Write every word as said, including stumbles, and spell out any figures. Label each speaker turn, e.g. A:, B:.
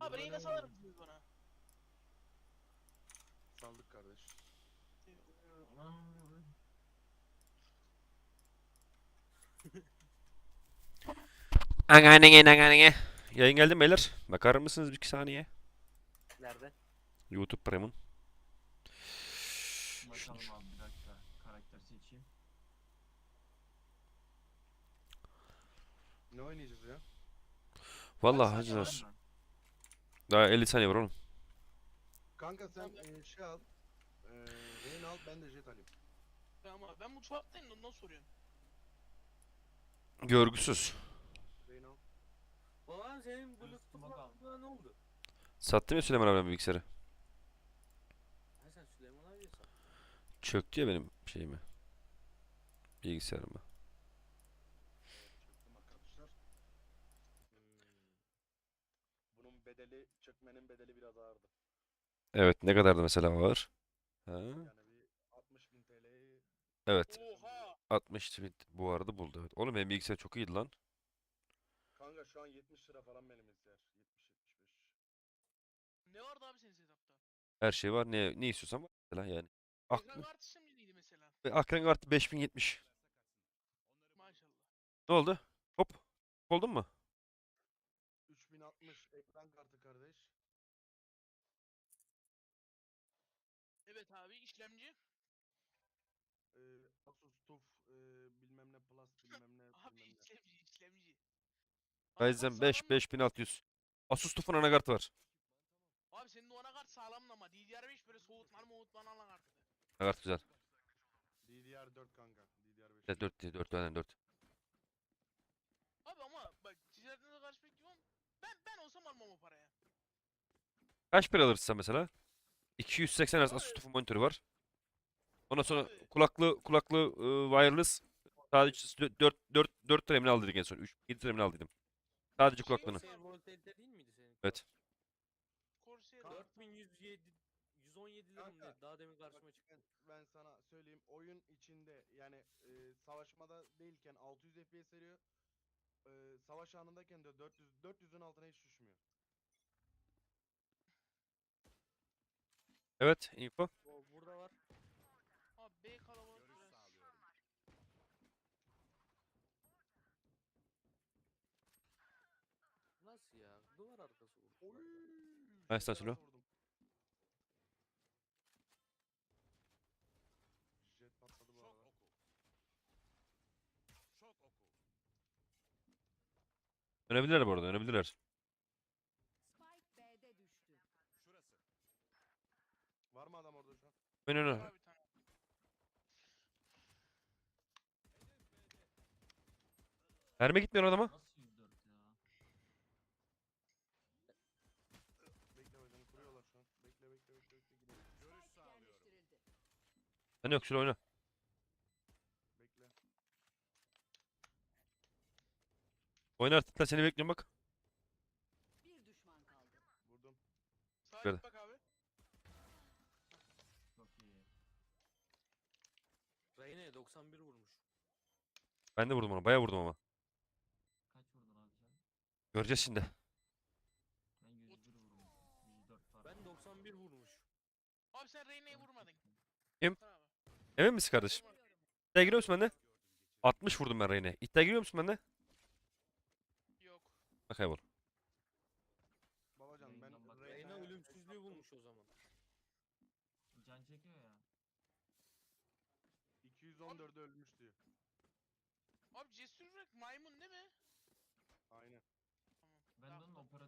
A: Abi Reyna salar mısınız bana?
B: Saldık kardeş.
C: Anganenge anganenge. Yayın geldi mi beyler? Bakar mısınız bir iki saniye?
D: Nerede?
C: YouTube Premium.
E: Bakalım abi bir dakika. Karakter seçeyim.
B: Ne oynayacağız ya?
C: Vallahi
A: Kaç saniye
C: hacılar.
E: Ben-
C: Daha elli saniye var oğlum.
B: Kanka sen
A: Tamam.
B: e, şey al. E, Rain al, ben de jet alayım.
A: Tamam abi ben mutfaktayım da ondan soruyorum.
C: Görgüsüz.
B: Rain al.
D: Ulan senin
E: Üstüme
D: Bluetooth'un
E: kaldı.
D: aklına ne oldu?
C: Sattım ya Süleyman abim bilgisayarı.
D: Ha sen Süleyman abiye sat.
C: Çöktü ya benim şeyimi. Bilgisayarımı.
B: Çöktüm arkadaşlar. Hmm. Bunun bedeli, çökmenin bedeli biraz ağırdı.
C: Evet, ne kadardı mesela ağır? Ha?
B: Yani bir altmış bin T L'yi
C: Evet.
A: Oha!
C: altmış bin bu arada buldu. Evet. Oğlum benim bilgisayar çok iyiydi lan.
B: kanka şu an yetmiş lira falan benim bilgisayar. yetmiş yetmiş beş.
A: Ne vardı abi senin setupta?
C: Her şey var. Ne ne istiyorsan var mesela yani.
A: Ekran
C: Aklı,
A: kartı işlemciydi mesela.
C: akran kartı beş bin yetmiş.
A: Maşallah.
C: Ne oldu? Hop. Oldun mu?
B: üç bin altmış ekran kartı kardeş.
A: Evet abi işlemci.
B: E, Asus TUF e, bilmem ne plus bilmem ne
A: Abi
B: bilmem ne.
A: işlemci işlemci. Anakart
C: Ryzen
A: sağlam
C: beş
A: mı?
C: beş bin altı yüz. Asus TUF'un anakartı var.
A: Abi senin o anakart sağlam ama D D R beş böyle soğutmalı moğutmalı anakartı.
C: Anakart güzel.
B: D D R dört kanka. D D R beş.
C: Evet, dört dört tane dört.
A: Abi ama bak ticaretine karşı pek yok. Ben ben olsam almam o paraya.
C: Kaç para alırsın sen mesela? iki yüz seksen Hz Asus
A: Abi,
C: TUF'un monitörü var. Ondan sonra
A: abi
C: kulaklı kulaklı e, wireless sadece dört dört dört liraya mı ne aldıydık en son? üç yedi liraya mı ne aldıydım? Sadece
A: bir şey
C: kulaklığını.
A: yok
D: Corsair
A: abi.
D: Voltaire değil miydi senin?
C: Evet.
A: Corsair
B: Kanka-
D: dört bin yüz yedi yüz on yedi lira mı
B: Kanka,
D: ne? Daha demin karşıma
B: Bak
D: çıktı.
B: ben, ben sana söyleyeyim, oyun içinde yani e, savaşmada değilken altı yüz F P S veriyor. E, savaş anındayken de dört yüz dört yüzün altına hiç düşmüyor.
C: Evet, info.
D: O burada var.
A: Abi B kalabalık biraz.
D: Nasıl ya? Duvar arkası bu.
B: Oy!
C: Ben
B: Jet'e
C: sana söylüyorum.
B: nasıl vurdum? Jet patladı bu arada.
C: Dönebilirler bu arada, dönebilirler.
F: Spike B'de düştü.
B: Var mı adam orada şu an?
C: Oyun
A: Var
C: oyna.
A: abi bir tane.
C: Mermi gitmiyor adama.
E: Nasıl yüz dört ya?
B: Bekle hocam, kuruyorlar şu an. Bekle bekle bekle bekle gidelim.
F: Spike yerleştirildi.
C: Sen yok şöyle oyna.
B: Bekle.
C: Oyna artık lan seni bekliyorum bak.
F: Bir düşman kaldı.
B: Vurdum.
A: Sağa
C: Böyle.
A: git bak abi.
E: Çok iyi.
D: Reyne doksan bir vurmuş.
C: Ben de vurdum ona, bayağı vurdum ama.
E: Kaç vurdun abi sen?
C: Göreceğiz şimdi.
E: Ben yüz bir vurmuşum. yüz dört var.
D: Ben doksan bir vurmuş.
A: Abi sen Reyna'yı vurmadın.
C: Kim?
A: Sen abi.
C: Emin misin kardeşim?
A: Vurmadın.
C: İddia giriyor musun bende? altmış vurdum ben Reyne. İddia giriyor musun bende?
A: Yok.
C: Bak kaybol.
B: Babacan ben
E: Yayından bak.
D: Reyna
B: Reyna'ya
D: ölümsüzlüğü bulmuş o zaman.
E: Can çekiyor ya.
B: iki yüz on dörde ölmüş diyor.
A: Abi cesur bırak maymun değil mi?
B: Aynen.
E: Ben de onun operatörü